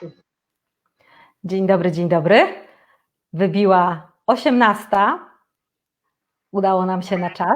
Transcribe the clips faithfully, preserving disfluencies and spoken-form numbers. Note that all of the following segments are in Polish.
Dzień dobry, dzień dobry. Wybiła osiemnasta. Udało nam się na czas.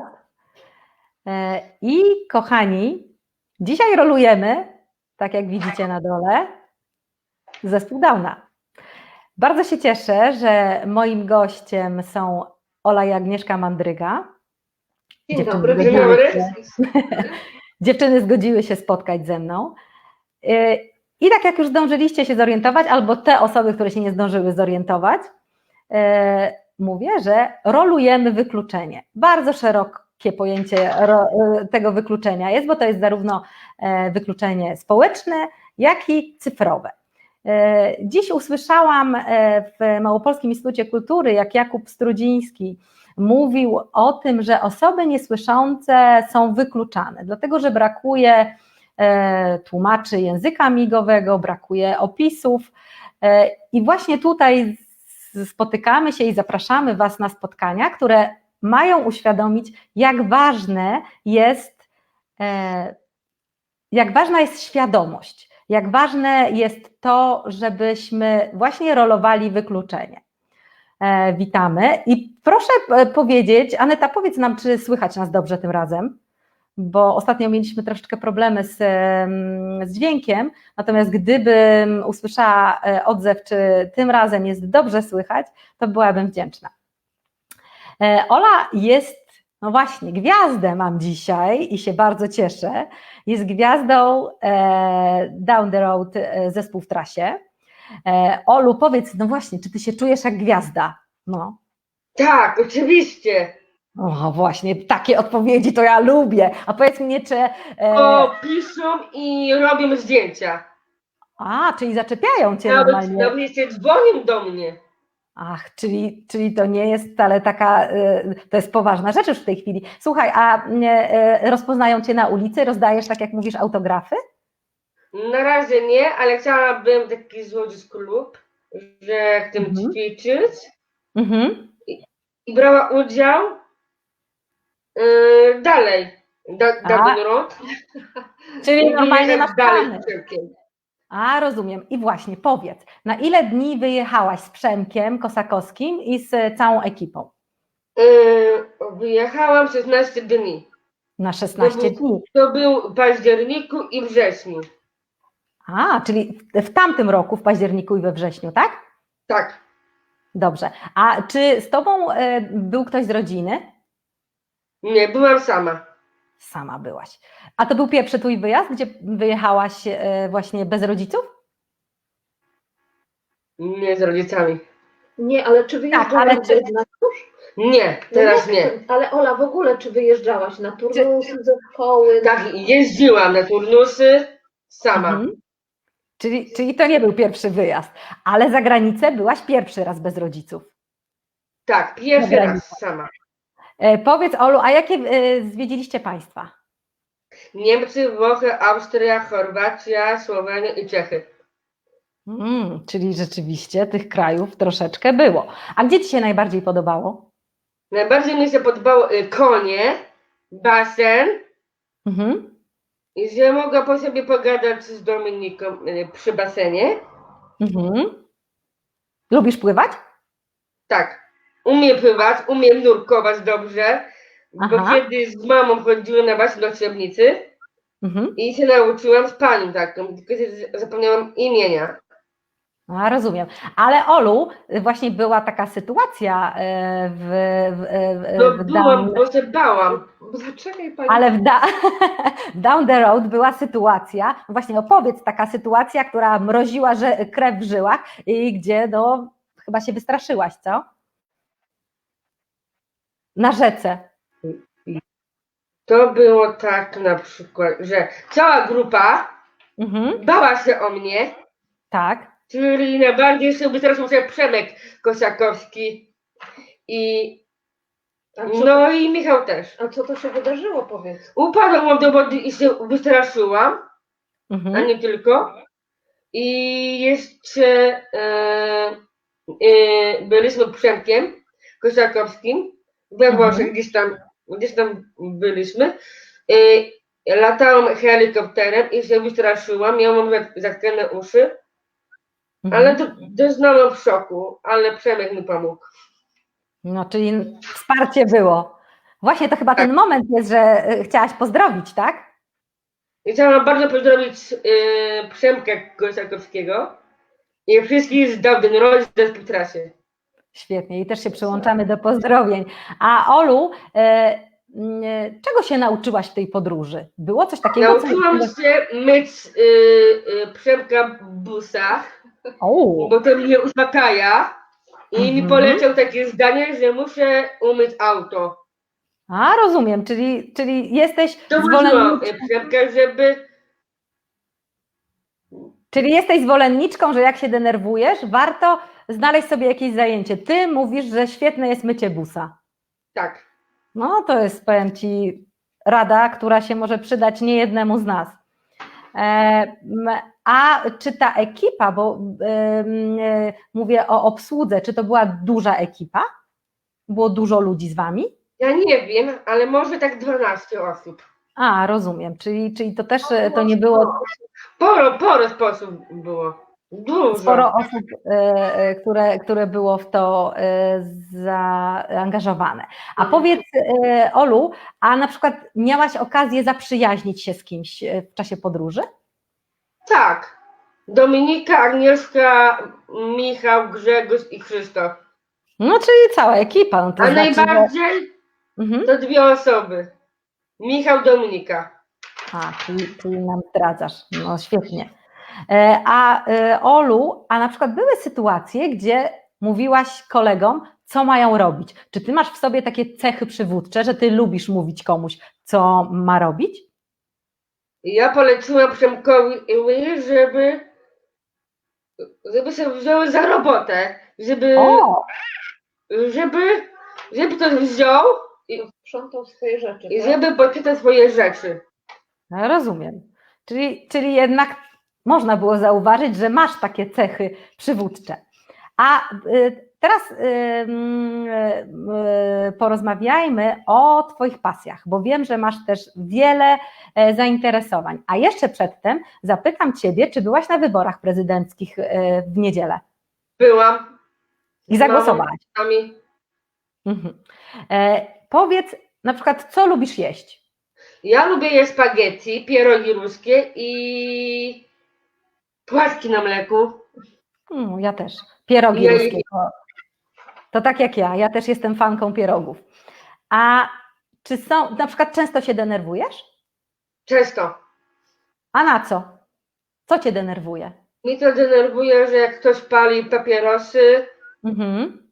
I kochani, dzisiaj rolujemy, tak jak widzicie na dole, zespół Downa. Bardzo się cieszę, że moim gościem są Ola i Agnieszka Mandryga. Dzień Dziewczyny dobry, dzień zgodziły dobry. się, dziewczyny zgodziły się spotkać ze mną. I tak jak już zdążyliście się zorientować, albo te osoby, które się nie zdążyły zorientować, mówię, że rolujemy wykluczenie. Bardzo szerokie pojęcie tego wykluczenia jest, bo to jest zarówno wykluczenie społeczne, jak i cyfrowe. Dziś usłyszałam w Małopolskim Instytucie Kultury, jak Jakub Strudziński mówił o tym, że osoby niesłyszące są wykluczane, dlatego że brakuje tłumaczy języka migowego, brakuje opisów i właśnie tutaj spotykamy się i zapraszamy Was na spotkania, które mają uświadomić, jak ważne jest, jak ważna jest świadomość, jak ważne jest to, żebyśmy właśnie rolowali wykluczenie. Witamy i proszę powiedzieć, Aneta, powiedz nam, czy słychać nas dobrze tym razem, bo ostatnio mieliśmy troszeczkę problemy z, z dźwiękiem, natomiast gdybym usłyszała odzew, czy tym razem jest dobrze słychać, to byłabym wdzięczna. Ola jest, no właśnie, gwiazdę mam dzisiaj i się bardzo cieszę, jest gwiazdą Down the Road zespół w trasie. Olu, powiedz, no właśnie, czy ty się czujesz jak gwiazda? No. Tak, oczywiście. O, właśnie, takie odpowiedzi to ja lubię. A powiedz mnie, czy... E... O, piszą i robią zdjęcia. A, czyli zaczepiają cię Nawet, normalnie. nawet się dzwonią do mnie. Ach, czyli, czyli to nie jest wcale taka, to jest poważna rzecz już w tej chwili. Słuchaj, a rozpoznają cię na ulicy, rozdajesz, tak jak mówisz, autografy? Na razie nie, ale chciałabym taki złożyć klub, że chcę Mhm. ćwiczyć Mhm. i, i brała udział yy, dalej. Da, Down Road. Czyli normalnie masz dalej plany. z Przemkiem. A, rozumiem. I właśnie, powiedz, na ile dni wyjechałaś z Przemkiem Kosakowskim i z całą ekipą? Yy, wyjechałam szesnaście dni. Na szesnaście to był, dni. To był w październiku i wrześniu. A, czyli w tamtym roku, w październiku i we wrześniu, tak? Tak. Dobrze. A czy z tobą był ktoś z rodziny? Nie, byłam sama. Sama byłaś. A to był pierwszy twój wyjazd, gdzie wyjechałaś właśnie bez rodziców? Nie, z rodzicami. Nie, ale czy wyjeżdżałaś tak, ale czy... na tusz? Nie, teraz nie. Ale Ola, w ogóle czy wyjeżdżałaś na turnusy, ze szkoły? Tak, jeździłam na turnusy sama. Mhm. Czyli, czyli to nie był pierwszy wyjazd, ale za granicę byłaś pierwszy raz bez rodziców. Tak, pierwszy raz sama. E, powiedz, Olu, a jakie e, zwiedziliście państwa? Niemcy, Włochy, Austria, Chorwacja, Słowenia i Czechy. Mm, czyli rzeczywiście tych krajów troszeczkę było. A gdzie ci się najbardziej podobało? Najbardziej mi się podobało y, konie, basen Mhm. i że mogła po sobie pogadać z Dominiką y, przy basenie. Mhm. Lubisz pływać? Tak, umiem pływać, umiem nurkować dobrze, Aha. bo kiedyś z mamą chodziłem na basen do Trzebnicy Mhm. i się nauczyłam z panią taką, tylko zapomniałam imienia. A, rozumiem. Ale Olu, właśnie była taka sytuacja w, w, w, No w byłam, down... bo się bałam. Zaczekaj pani. Ale w, da... w Down the Road była sytuacja, właśnie opowiedz, taka sytuacja, która mroziła że... krew w żyłach i gdzie no, chyba się wystraszyłaś, co? Na rzece. To było tak na przykład, że cała grupa Mhm. bała się o mnie, Tak. czyli najbardziej się wystraszył się Przemek Kosakowski i no i Michał też. A co to się wydarzyło, powiedz? Upadłam do wody i się wystraszyłam, Mhm. a nie tylko. I jeszcze e, e, byliśmy Przemkiem Kosakowskim we Włoszech, Mhm. gdzieś tam, gdzieś tam byliśmy. E, latałam helikopterem i się wystraszyłam, miałam zatkane uszy ale to doznałam w szoku, ale Przemek mi pomógł. No, czyli wsparcie było. Właśnie to chyba Tak. ten moment jest, że y, chciałaś pozdrowić, tak? I chciałam bardzo pozdrowić yy, Przemka Kosakowskiego i wszystkich z Dawden Road w trasie. Świetnie i też się przyłączamy do pozdrowień. A Olu, y, y, czego się nauczyłaś w tej podróży? Było coś takiego? co- Nauczyłam się myć yy, yy, Przemka busa, O, bo to mnie uspokaja i mi Mhm. poleciał takie zdanie, że muszę umyć auto. a rozumiem, czyli, czyli jesteś To zwolenniczką, mówiłam Przemka, żeby czyli jesteś zwolenniczką, że jak się denerwujesz, warto znaleźć sobie jakieś zajęcie. Ty mówisz, że świetne jest mycie busa. tak. No to jest, powiem Ci, rada, która się może przydać niejednemu z nas. E, m, A czy ta ekipa, bo em, e, mówię o obsłudze, czy to była duża ekipa? Było dużo ludzi z Wami? Ja nie wiem, ale może tak dwanaście osób. A, rozumiem, czyli, czyli to też e, to nie było Poro, poro sposób było. Dużo. sporo osób, e, e, które, które było w to e, zaangażowane. A Mhm. powiedz, e, Olu, a na przykład miałaś okazję zaprzyjaźnić się z kimś e, w czasie podróży? Tak. Dominika, Agnieszka, Michał, Grzegorz i Krzysztof. No, czyli cała ekipa. No to A znaczy, że... najbardziej Mhm. to dwie osoby. Michał, Dominika. A, czyli, czyli nam zdradzasz. No świetnie. E, A e, Olu, a na przykład były sytuacje, gdzie mówiłaś kolegom, co mają robić. Czy ty masz w sobie takie cechy przywódcze, że ty lubisz mówić komuś, co ma robić? I ja poleciłam Przemkowi, żeby, żeby się wziął za robotę. Żeby, O, żeby, żeby to wziął i, Sprzątał swoje rzeczy. i tak? żeby poczytał swoje rzeczy. no, rozumiem. Czyli, czyli jednak można było zauważyć, że masz takie cechy przywódcze. A y, teraz y, y, y, porozmawiajmy o Twoich pasjach, bo wiem, że masz też wiele e, zainteresowań. A jeszcze przedtem zapytam Ciebie, czy byłaś na wyborach prezydenckich e, w niedzielę Byłam. i z zagłosowałaś? mamą. Mhm. E, Powiedz na przykład, co lubisz jeść? Ja lubię jeść spaghetti, pierogi ruskie i płatki na mleku. Mm, ja też. Pierogi Ja- ruskie. To, to tak jak ja, ja też jestem fanką pierogów. A czy są, na przykład często się denerwujesz? Często. A na co? Co Cię denerwuje? Mnie to denerwuje, że jak ktoś pali papierosy, Mhm.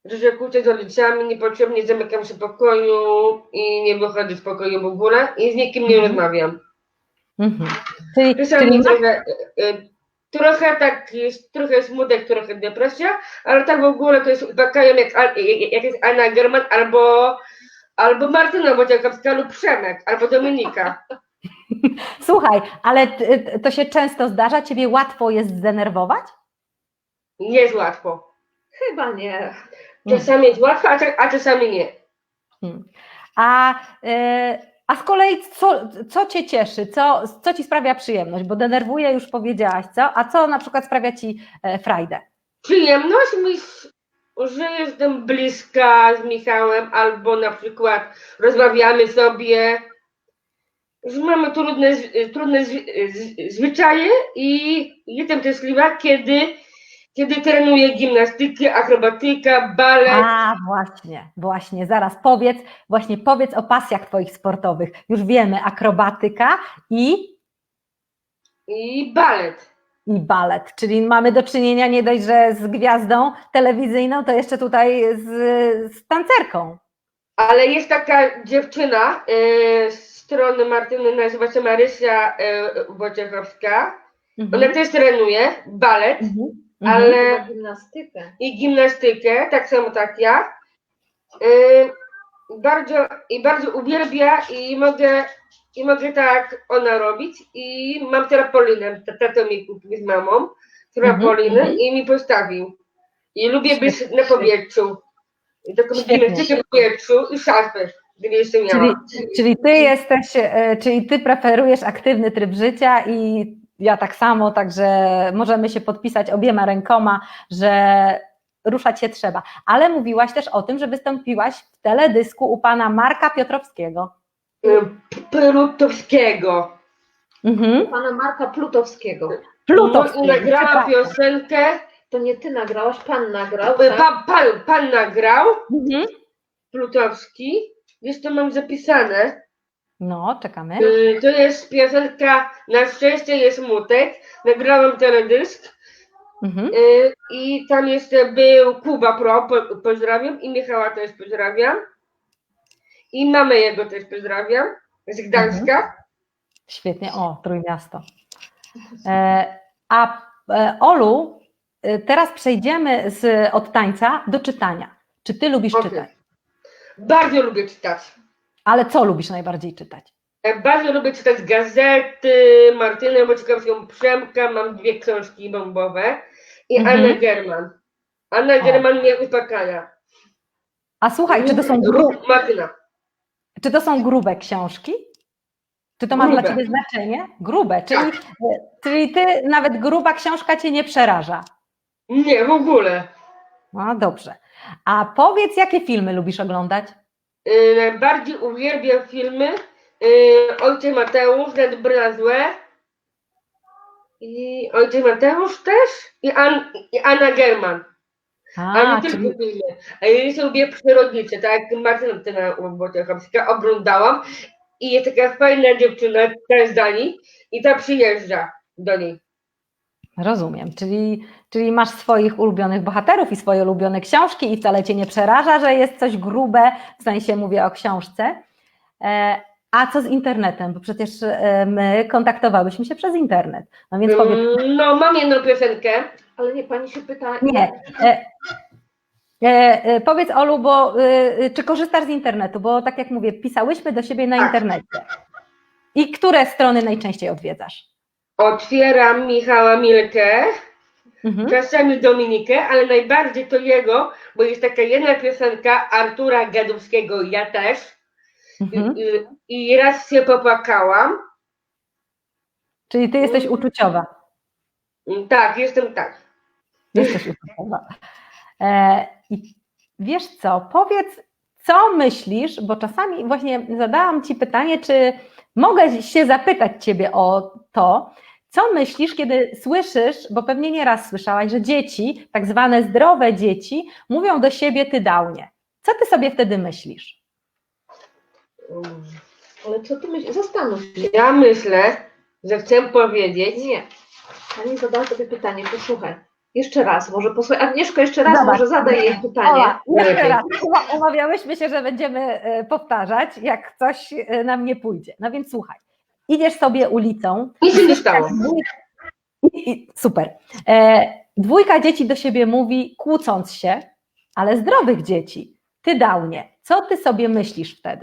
Mhm. rozmawiam. Mhm. Czyli, Czasami czyli masz, trochę, y, y, trochę tak jest, trochę smutek, trochę depresja, ale tak w ogóle to jest uspokajem jak, Al- jak, jak jest Anna German albo, albo Martyna Wojciechowska lub Przemek, albo Dominika. słuchaj, ale t- to się często zdarza, Ciebie łatwo jest zdenerwować? Nie jest łatwo. Chyba nie. Czasami jest łatwo, a, cza- a czasami nie. Hmm. A, y, a z kolei co, co Cię cieszy, co, co Ci sprawia przyjemność? Bo denerwuje, już powiedziałaś, co? A co na przykład sprawia Ci e, frajdę? Przyjemność mi, że jestem bliska z Michałem, albo na przykład rozmawiamy sobie, że mamy trudne, z- trudne z, z, zwyczaje i jestem szczęśliwa, kiedy, kiedy trenuję gimnastykę, akrobatykę, balet. A, właśnie, właśnie, zaraz powiedz, właśnie powiedz o pasjach Twoich sportowych. Już wiemy, akrobatyka i, I balet. i balet, czyli mamy do czynienia nie dość, że z gwiazdą telewizyjną, to jeszcze tutaj z, z tancerką. Ale jest taka dziewczyna e, z strony Martyny, nazywa się Marysia e, Wojciechowska. Mhm. Ona też trenuje balet. Mhm. Ale- Chyba gimnastykę. I gimnastykę, tak samo tak ja. Yy, bardzo, I bardzo uwielbia i mogę, i mogę tak ona robić. I mam trampolinę, tato mi kupił z mamą, trampolinę Mhm, i mi postawił. I lubię być Świetnie. na powietrzu. I taką Świetnie. gimnastykę w powietrzu i szafę, gdy jeszcze Czyli, miałam. czyli ty jesteś, e, czyli ty preferujesz aktywny tryb życia i ja tak samo, także możemy się podpisać obiema rękoma, że ruszać się trzeba. Ale mówiłaś też o tym, że wystąpiłaś w teledysku u pana Marka Piotrowskiego. Plutowskiego. Mhm. Pana Marka Plutowskiego. No Plutowskiego. i nagrała przepraszam. piosenkę. To nie ty nagrałaś, pan nagrał, tak? Pan, pan, pan nagrał, Mhm. Plutowski. Jest to mam zapisane. No, czekamy. Y, To jest piosenka Na szczęście jest smutek. Nagrałam teledysk. Mhm. Y, I tam jeszcze był Kuba Pro, po, pozdrawiam. I Michała też pozdrawiam. I mamę jego też pozdrawiam. Z Gdańska. Świetnie, o, Trójmiasto. E, a e, Olu, e, teraz przejdziemy z, od tańca do czytania. Czy ty lubisz Okej. czytać? Bardzo lubię czytać. Ale co lubisz najbardziej czytać? E, Bardzo lubię czytać gazety, Martynę Boczkowską, Przemka, mam dwie książki bombowe i Mhm. Annę German. Anna O. German mnie uspokaja. A słuchaj, czy to są, gru, Ruch Martyna. czy to są grube książki? Czy to ma Grube. dla ciebie znaczenie? Grube, czyli, Tak. e, czyli ty nawet gruba książka cię nie przeraża. Nie, w ogóle. No dobrze. A powiedz, jakie filmy lubisz oglądać? Yy, najbardziej uwielbiam filmy yy, Ojciec Mateusz, Nad Brazłe i Ojciec Mateusz też i, An, i Anna German. A A, nie czyli, tylko filmy. A ja jeszcze lubię przyrodnicze, tak jak Martyna Boczkowska oglądałam i jest taka fajna dziewczyna ta z Danii i ta przyjeżdża do niej. rozumiem, czyli, czyli masz swoich ulubionych bohaterów i swoje ulubione książki i wcale cię nie przeraża, że jest coś grube, w sensie mówię o książce. E, a co z internetem? Bo przecież e, my kontaktowałyśmy się przez internet. No więc powiedz, Mm, No, mam jedną piosenkę. Ale nie, pani się pyta... nie. E, e, e, powiedz Olu, bo e, czy korzystasz z internetu? Bo tak jak mówię, pisałyśmy do siebie na Tak. internecie. I które strony najczęściej odwiedzasz? Otwieram Michała Milkę, Mhm. czasami Dominikę, ale najbardziej to jego, bo jest taka jedna piosenka Artura Gadowskiego, ja też. Mhm. I, i, I raz się popłakałam. Czyli ty jesteś uczuciowa. Tak, jestem tak. Jesteś uczuciowa. E, I wiesz co, powiedz, co myślisz, bo czasami właśnie zadałam ci pytanie, czy mogę się zapytać ciebie o to, co myślisz, kiedy słyszysz, bo pewnie nieraz słyszałaś, że dzieci, tak zwane zdrowe dzieci, mówią do siebie ty downie. Co ty sobie wtedy myślisz? Ale co ty myślisz? Zastanów się. Ja myślę, że chcę powiedzieć. Nie. Pani zadała sobie pytanie, posłuchaj. Jeszcze raz, może posłuchaj. Agnieszko, jeszcze raz Zobacz. może zadaj jej pytanie. Ola, jeszcze Lepiej. raz. Chyba umawiałyśmy się, że będziemy e, powtarzać, jak coś e, nam nie pójdzie. No więc słuchaj, idziesz sobie ulicą. Nic się nie stało. I, i, super. E, dwójka dzieci do siebie mówi, kłócąc się, ale zdrowych dzieci. Ty downie. Co ty sobie myślisz wtedy?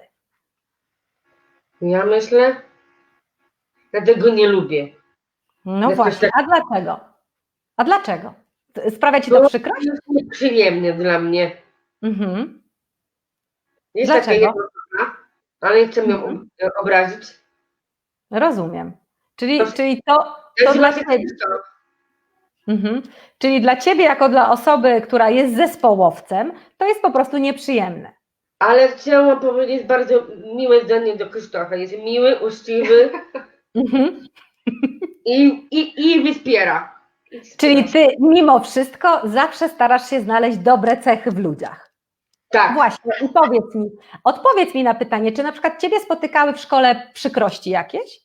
Ja myślę, ja tego nie lubię. No Jesteś właśnie, a dlaczego? A dlaczego? Sprawia ci to Bo przykrość? jest nieprzyjemne dla mnie. Mhm. Jest Dlaczego? taka jedna osoba, ale nie chcę ją Mhm. obrazić. Rozumiem. Czyli, To- czyli to, to Nazywa dla się ciebie. Krzysztof. Mhm. Czyli dla ciebie, jako dla osoby, która jest zespołowcem, to jest po prostu nieprzyjemne. Ale chciałam powiedzieć bardzo miłe zdanie do Krzysztofa. Jest miły, uczciwy Mhm. i, i, i wspiera. Czyli ty mimo wszystko zawsze starasz się znaleźć dobre cechy w ludziach. Tak. Właśnie, i powiedz mi, odpowiedz mi na pytanie, czy na przykład ciebie spotykały w szkole przykrości jakieś?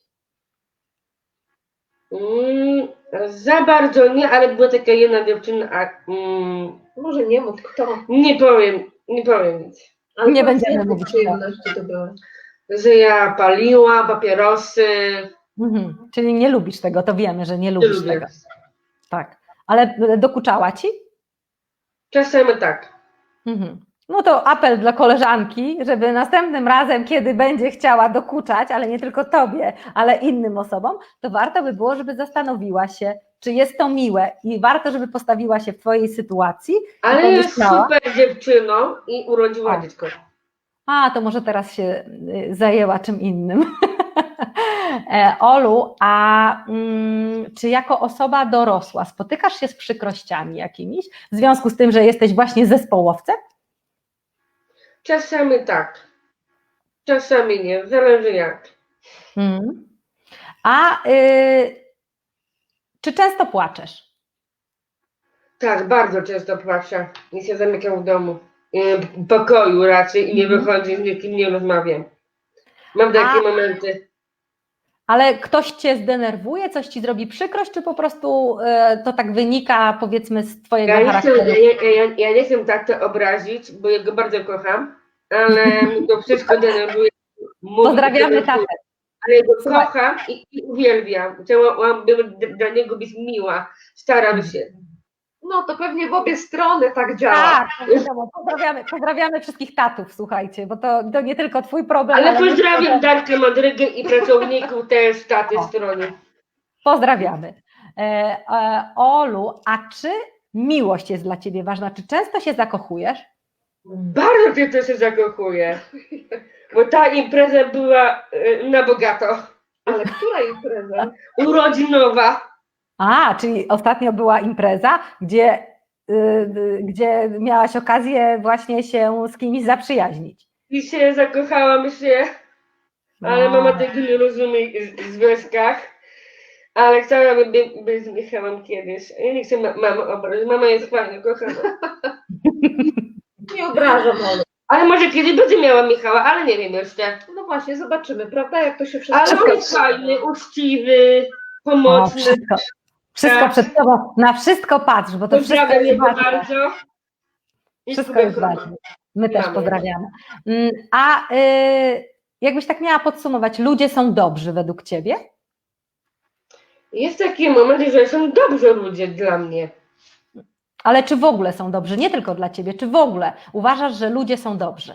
Mm, za bardzo nie, ale była taka jedna dziewczyna, a, mm, Może nie mów kto. nie powiem, nie powiem nic. Ale Nie powiedz, będziemy jakie mówić kto. przyjemności to były. Że ja paliła papierosy. Mhm. Czyli nie lubisz tego, to wiemy, że nie Nie lubisz lubię. tego. Tak. Ale dokuczała ci? Czasami tak. Mhm. No to apel dla koleżanki, żeby następnym razem, kiedy będzie chciała dokuczać, ale nie tylko tobie, ale innym osobom, to warto by było, żeby zastanowiła się, czy jest to miłe i warto, żeby postawiła się w twojej sytuacji. Ale I jest pomyślała, super dziewczyną i urodziła O. dziecko. a to może teraz się y, zajęła czym innym. E, Olu, a mm, czy jako osoba dorosła spotykasz się z przykrościami jakimiś w związku z tym, że jesteś właśnie zespołowcem? Czasami tak, czasami nie, zależy jak. Mm. A y, czy często płaczesz? Tak, bardzo często płaczę i się zamykam w domu. Y, W pokoju raczej i nie Mhm. wychodzę, z nikim nie rozmawiam. Mam takie A- momenty. Ale ktoś cię zdenerwuje, coś ci zrobi przykrość, czy po prostu y, to tak wynika, powiedzmy, z twojego Ja nie, chcę, charakteru? ja, ja, ja nie chcę tato obrazić, bo ja go bardzo kocham, ale mi to wszystko denerwuje. Mówi, Pozdrawiamy denerwuje. tatę. Ale ja go Słuchaj. kocham i, i uwielbiam. Chciałabym dla niego być miła. Staram się. No to pewnie w obie strony tak działa. Tak, to wiadomo, pozdrawiamy, pozdrawiamy wszystkich tatów, słuchajcie, bo to, to nie tylko twój problem, Ale ale pozdrawiam myślę, że- Darkę Madrygę i pracowników też taty O. strony. Pozdrawiamy. E, e, Olu, a czy miłość jest dla ciebie ważna? Czy często się zakochujesz? Bardzo cię to się zakochuję. Bo ta impreza była y, na bogato. Ale która impreza? Urodzinowa. A, czyli ostatnio była impreza, gdzie, y, y, gdzie miałaś okazję właśnie się z kimś zaprzyjaźnić. I się zakochałam się. Ale No. mama tego nie rozumie w związkach. Ale chciałabym by, być z Michałem kiedyś. Ja nie chcę ma mamy obrazić. Mama jest fajna, kochana. Nie obrażam, Olu. Ale może kiedyś będzie miała Michała, ale nie wiem jeszcze. No właśnie, zobaczymy, prawda, jak to się wszystko... Ale on jest fajny, uczciwy, O, pomocny. wszystko, wszystko Tak. przed tobą, na wszystko patrz, bo to wszystko Pozdrawiam jest jego ważne. bardzo. I Wszystko jest kocham. ważne. My też Mamy. pozdrawiamy. Mm, A y, jakbyś tak miała podsumować, ludzie są dobrzy według ciebie? Jest taki moment, że są dobrzy ludzie dla mnie. Ale czy w ogóle są dobrzy? Nie tylko dla ciebie, czy w ogóle uważasz, że ludzie są dobrzy?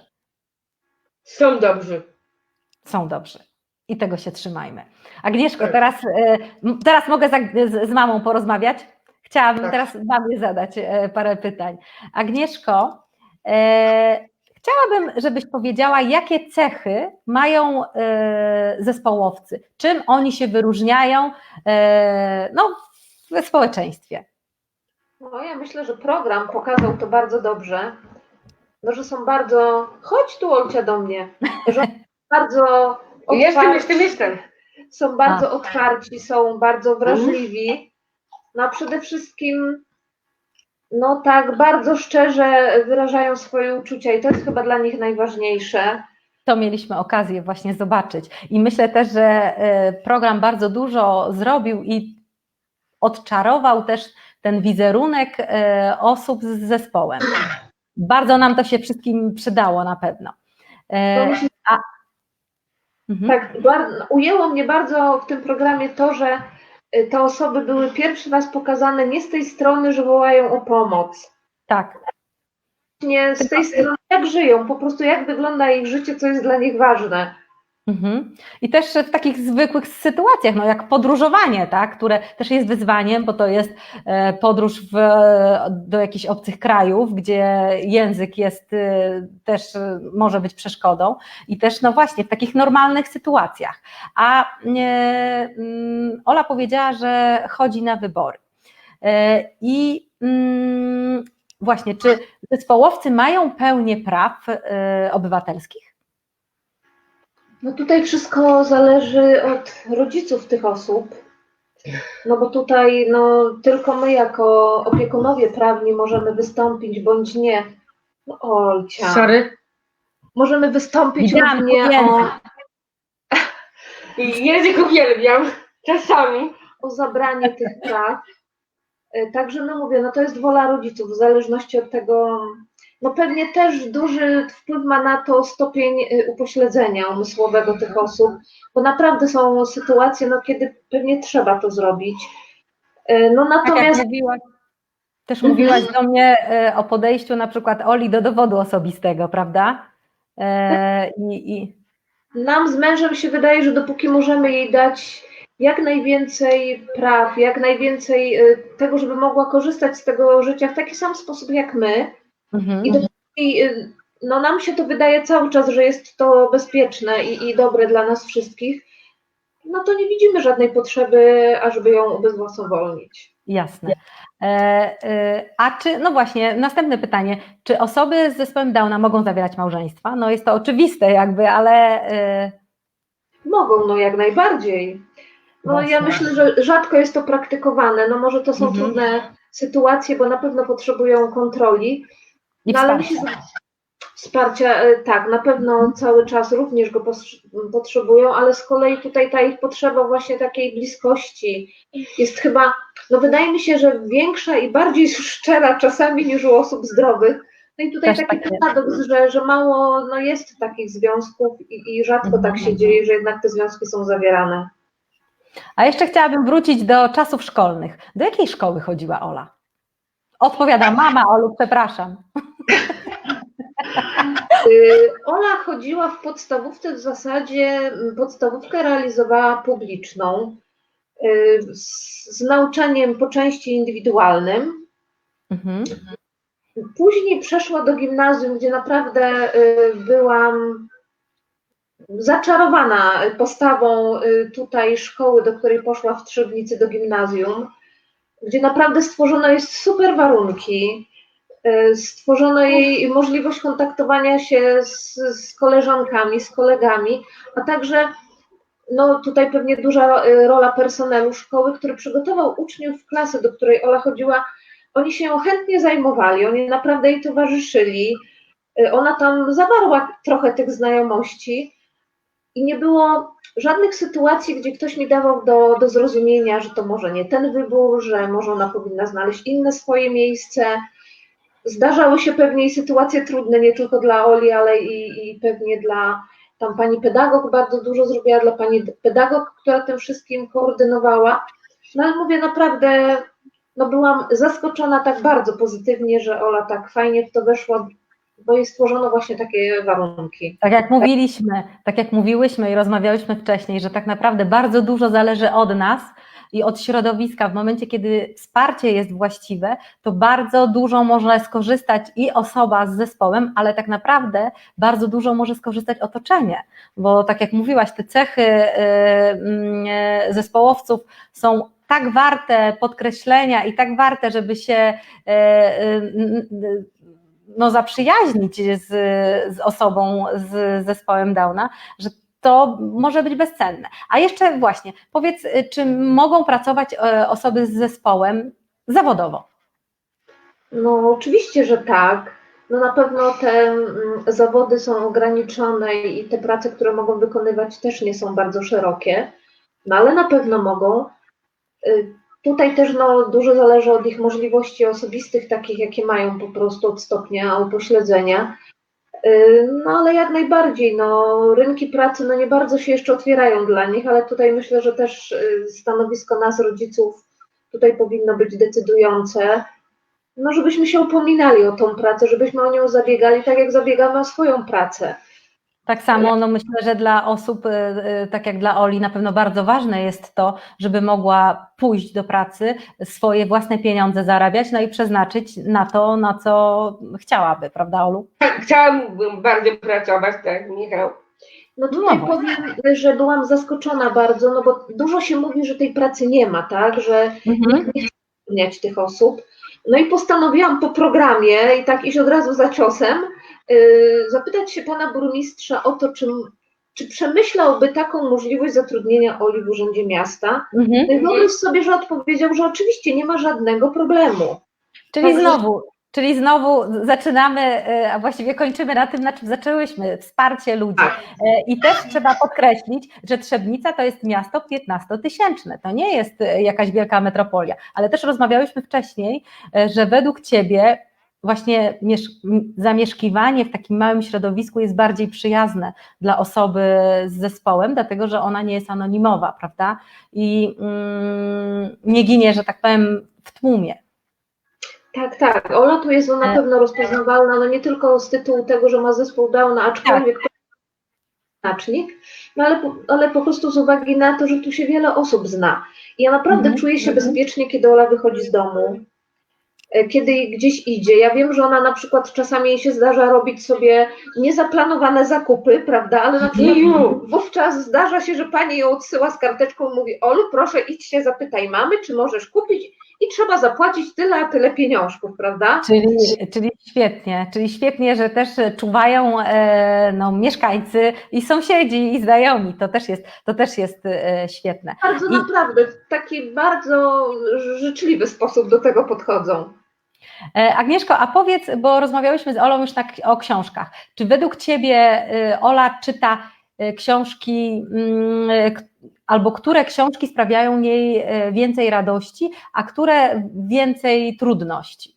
Są dobrzy. Są dobrzy. I tego się trzymajmy. Agnieszko, Tak. teraz, y, m- teraz mogę z, z, z mamą porozmawiać? Chciałabym Tak. teraz mamie zadać e, parę pytań. Agnieszko, e, chciałabym, żebyś powiedziała, jakie cechy mają e, zespołowcy, czym oni się wyróżniają e, no, w społeczeństwie. No ja myślę, że program pokazał to bardzo dobrze, no, że są bardzo... Chodź tu, Olcia, do mnie. Że są bardzo Jestem, otwarci, jestem, jestem. są bardzo otwarci, są bardzo wrażliwi. No a przede wszystkim no tak bardzo szczerze wyrażają swoje uczucia i to jest chyba dla nich najważniejsze. To mieliśmy okazję właśnie zobaczyć. I myślę też, że e, program bardzo dużo zrobił i odczarował też ten wizerunek e, osób z zespołem. Bardzo nam to się wszystkim przydało na pewno. E, No, myślę, a, mhm. tak, bar- ujęło mnie bardzo w tym programie to, że y, te osoby były pierwszy raz pokazane nie z tej strony, że wołają o pomoc. Tak, Nie z tej strony, jak żyją, po prostu jak wygląda ich życie, co jest dla nich ważne. mhm. I też w takich zwykłych sytuacjach, no jak podróżowanie, tak, które też jest wyzwaniem, bo to jest e, podróż w, do jakichś obcych krajów, gdzie język jest e, też e, może być przeszkodą i też no właśnie w takich normalnych sytuacjach. A e, mm, Ola powiedziała, że chodzi na wybory. E, I mm, właśnie, czy zespołowcy mają pełnię praw e, obywatelskich? No tutaj wszystko zależy od rodziców tych osób, no bo tutaj no, tylko my jako opiekunowie prawni możemy wystąpić bądź nie. No, Olcia. Sorry. Możemy wystąpić Widziałam lub nie język. o, I język uwielbiam. Czasami. o zabranie tych praw. E, Także no mówię, no to jest wola rodziców, w zależności od tego, no pewnie też duży wpływ ma na to stopień e, upośledzenia umysłowego tych osób, bo naprawdę są sytuacje, no kiedy pewnie trzeba to zrobić. E, No Tak jak natomiast mówiłaś, też Mhm. mówiłaś do mnie e, o podejściu na przykład Oli do dowodu osobistego, prawda? E, i, i, nam z mężem się wydaje, że dopóki możemy jej dać jak najwięcej praw, jak najwięcej e, tego, żeby mogła korzystać z tego życia w taki sam sposób jak my, mhm. I dopóki, y, no nam się to wydaje cały czas, że jest to bezpieczne i, i dobre dla nas wszystkich, no to nie widzimy żadnej potrzeby, ażeby ją ubezwłasnowolnić. Jasne. E, e, a czy, no właśnie, następne pytanie, czy osoby z zespołem Downa mogą zawierać małżeństwa? No jest to oczywiste jakby, ale... E, Mogą, no jak najbardziej. No Właśnie. ja myślę, że rzadko jest to praktykowane, no może to są Mhm. trudne sytuacje, bo na pewno potrzebują kontroli, I no ale wsparcia. myślę, że wsparcia, e, tak, na pewno cały czas również go pos- potrzebują, ale z kolei tutaj ta ich potrzeba właśnie takiej bliskości jest chyba, no wydaje mi się, że większa i bardziej szczera czasami niż u osób zdrowych. No i tutaj Też taki tak jest. paradoks, że, że mało no jest takich związków i, i rzadko Mhm. tak się dzieje, że jednak te związki są zawierane. A jeszcze chciałabym wrócić do czasów szkolnych. Do jakiej szkoły chodziła Ola? Odpowiada mama, Olu, przepraszam. Y, Ola chodziła w podstawówce, w zasadzie m, podstawówkę realizowała publiczną, y, z, z nauczaniem po części indywidualnym. Mhm. Później przeszła do gimnazjum, gdzie naprawdę y, byłam zaczarowana postawą y, tutaj szkoły, do której poszła w Trzebnicy, do gimnazjum, gdzie naprawdę stworzono jest super warunki. Y, Stworzono jej możliwość kontaktowania się z, z koleżankami, z kolegami, a także no tutaj pewnie duża y, rola personelu szkoły, który przygotował uczniów klasy, do której Ola chodziła. Oni się ją chętnie zajmowali, oni naprawdę jej towarzyszyli. Y, Ona tam zawarła trochę tych znajomości i nie było żadnych sytuacji, gdzie ktoś mi dawał do, do zrozumienia, że to może nie ten wybór, że może ona powinna znaleźć inne swoje miejsce. Zdarzały się pewnie i sytuacje trudne, nie tylko dla Oli, ale i, i pewnie dla tam pani pedagog bardzo dużo zrobiła, dla pani pedagog, która tym wszystkim koordynowała. No ale mówię naprawdę, no byłam zaskoczona tak bardzo pozytywnie, że Ola tak fajnie w to weszła, bo jej stworzono właśnie takie warunki. Tak jak mówiliśmy, tak jak mówiłyśmy i rozmawiałyśmy wcześniej, że tak naprawdę bardzo dużo zależy od nas i od środowiska. W momencie, kiedy wsparcie jest właściwe, to bardzo dużo może skorzystać i osoba z zespołem, ale tak naprawdę bardzo dużo może skorzystać otoczenie, bo tak jak mówiłaś, te cechy yy, yy, zespołowców są tak warte podkreślenia i tak warte, żeby się yy, yy, no, zaprzyjaźnić z, z osobą z zespołem Downa, że to może być bezcenne. A jeszcze właśnie, powiedz, czy mogą pracować osoby z zespołem zawodowo? No oczywiście, że tak. No na pewno te mm, zawody są ograniczone i te prace, które mogą wykonywać, też nie są bardzo szerokie, no ale na pewno mogą. Y, Tutaj też no, dużo zależy od ich możliwości osobistych, takich jakie mają po prostu od stopnia upośledzenia. Y, No ale jak najbardziej, no, rynki pracy no, nie bardzo się jeszcze otwierają dla nich, ale tutaj myślę, że też y, stanowisko nas, rodziców, tutaj powinno być decydujące, no żebyśmy się upominali o tą pracę, żebyśmy o nią zabiegali tak jak zabiegamy o swoją pracę. Tak samo, no myślę, że dla osób, tak jak dla Oli, na pewno bardzo ważne jest to, żeby mogła pójść do pracy, swoje własne pieniądze zarabiać, no i przeznaczyć na to, na co chciałaby, prawda, Olu? Chciałabym bardzo pracować, tak, Michał. No tutaj No powiem, że byłam zaskoczona bardzo, no bo dużo się mówi, że tej pracy nie ma, tak, że Mhm. nikt nie chce zatrudniać tych osób. No i postanowiłam po programie i tak iść od razu za ciosem, yy, zapytać się pana burmistrza o to, czy, czy przemyślałby taką możliwość zatrudnienia Oli w Urzędzie Miasta. Mhm. No i wyobraź sobie, że odpowiedział, że oczywiście nie ma żadnego problemu. Czyli Także- znowu, czyli znowu zaczynamy, a właściwie kończymy na tym, na czym zaczęłyśmy, wsparcie ludzi. Tak. I też trzeba podkreślić, że Trzebnica to jest miasto piętnastotysięczne, to nie jest jakaś wielka metropolia, ale też rozmawiałyśmy wcześniej, że według Ciebie właśnie zamieszkiwanie w takim małym środowisku jest bardziej przyjazne dla osoby z zespołem, dlatego że ona nie jest anonimowa, prawda? I mm, nie ginie, że tak powiem, w tłumie. Tak, tak. Ola tu jest no, na pewno rozpoznawalna, no nie tylko z tytułu tego, że ma zespół Downa, aczkolwiek to znacznik, no ale, ale po prostu z uwagi na to, że tu się wiele osób zna. I ja naprawdę Mhm. czuję się bezpiecznie, kiedy Ola wychodzi z domu. kiedy gdzieś idzie. Ja wiem, że ona na przykład czasami jej się zdarza robić sobie niezaplanowane zakupy, prawda, ale na przykład wówczas zdarza się, że pani ją odsyła z karteczką i mówi: Olu, proszę idź się zapytaj mamy, czy możesz kupić, i trzeba zapłacić tyle, a tyle pieniążków, prawda? Czyli, czyli świetnie, czyli świetnie, że też czuwają e, no, mieszkańcy i sąsiedzi i znajomi, to też jest, to też jest e, świetne. Bardzo I, naprawdę, w taki bardzo życzliwy sposób do tego podchodzą. e, Agnieszko, a powiedz, bo rozmawiałyśmy z Olą już na, o książkach, czy według Ciebie e, Ola czyta e, książki, mm, e, albo które książki sprawiają jej e, więcej radości, a które więcej trudności?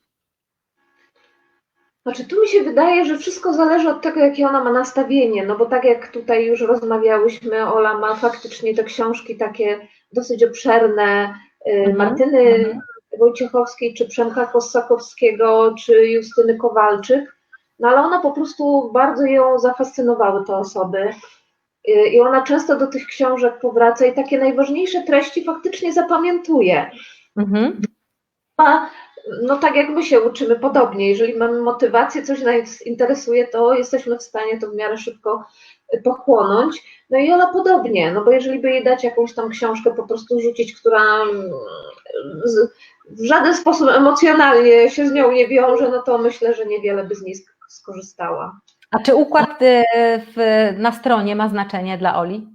Znaczy, tu mi się wydaje, że wszystko zależy od tego, jakie ona ma nastawienie, no bo tak jak tutaj już rozmawiałyśmy, Ola ma faktycznie te książki takie dosyć obszerne, Mhm, Martyny mhm. Wojciechowskiej, czy Przemka Kossakowskiego, czy Justyny Kowalczyk, no ale ona po prostu bardzo ją zafascynowały te osoby i ona często do tych książek powraca i takie najważniejsze treści faktycznie zapamiętuje. Mhm. A, no tak jak my się uczymy podobnie, jeżeli mamy motywację, coś nas interesuje, to jesteśmy w stanie to w miarę szybko pochłonąć. No i Ola podobnie, no bo jeżeli by jej dać jakąś tam książkę, po prostu rzucić, która z, w żaden sposób emocjonalnie się z nią nie wiąże, no to myślę, że niewiele by z niej skorzystała. A czy układ w, na stronie ma znaczenie dla Oli?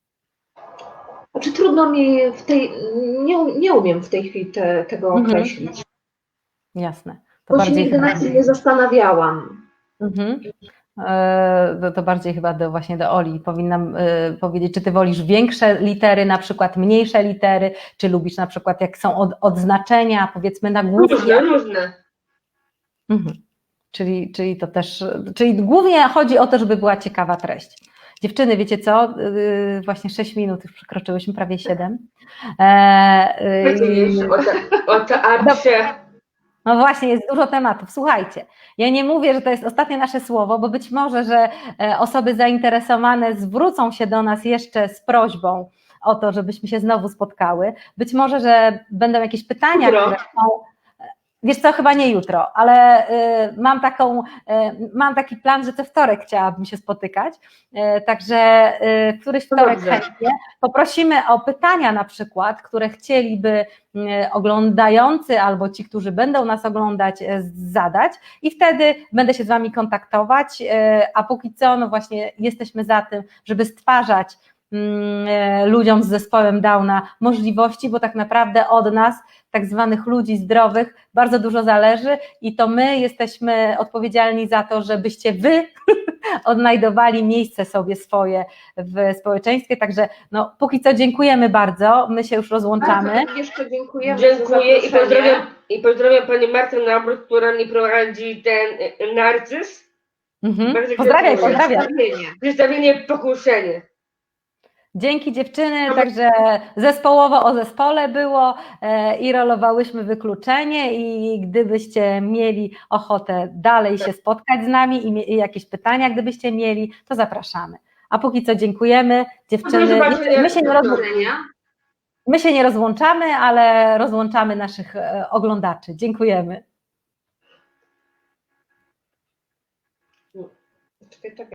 Znaczy trudno mi w tej, nie, nie umiem w tej chwili te, tego Mhm. określić, Jasne. To bo się bardziej nigdy chyba... nad tym nie zastanawiałam. Mhm. E, To, to bardziej chyba do, właśnie do Oli powinnam e, powiedzieć, czy ty wolisz większe litery, na przykład mniejsze litery, czy lubisz na przykład jak są od, odznaczenia, powiedzmy nagłówki. Różne, różne. Mhm. Czyli, czyli to też, czyli głównie chodzi o to, żeby była ciekawa treść. Dziewczyny, wiecie co? Yy, Właśnie sześć minut już przekroczyłyśmy, prawie siedem. Co ty wiesz o, te, o teatrze? No właśnie, jest dużo tematów. Słuchajcie, ja nie mówię, że to jest ostatnie nasze słowo, bo być może, że osoby zainteresowane zwrócą się do nas jeszcze z prośbą o to, żebyśmy się znowu spotkały. Być może, że będą jakieś pytania, Jutro. które są... Wiesz co, chyba nie jutro, ale y, mam, taką, y, mam taki plan, że co wtorek chciałabym się spotykać, y, także y, któryś wtorek Dobrze. chętnie. Poprosimy o pytania na przykład, które chcieliby y, oglądający albo ci, którzy będą nas oglądać, y, zadać i wtedy będę się z Wami kontaktować, y, a póki co no właśnie jesteśmy za tym, żeby stwarzać ludziom z zespołem Downa możliwości, bo tak naprawdę od nas, tak zwanych ludzi zdrowych, bardzo dużo zależy i to my jesteśmy odpowiedzialni za to, żebyście Wy odnajdowali miejsce sobie swoje w społeczeństwie, także no póki co dziękujemy bardzo, my się już rozłączamy. Bardzo jeszcze dziękujemy Dziękuję za i pozdrawiam, i pozdrawiam Panią Martę Nabrót, która mi prowadzi ten y, narcyz. Mhm. Bardzo Pozdrawiam, dziękuję. pozdrawiam. przedstawienie. Przedstawienie Pokuszenie. Dzięki dziewczyny, także zespołowo o zespole było e, i rolowałyśmy wykluczenie i gdybyście mieli ochotę dalej się spotkać z nami i, mie- i jakieś pytania, gdybyście mieli, to zapraszamy. A póki co dziękujemy dziewczyny. Do zobaczenia. My się, nie Do rozłą- widzenia. my się nie rozłączamy, ale rozłączamy naszych e, oglądaczy. Dziękujemy. Czekaj, czekaj.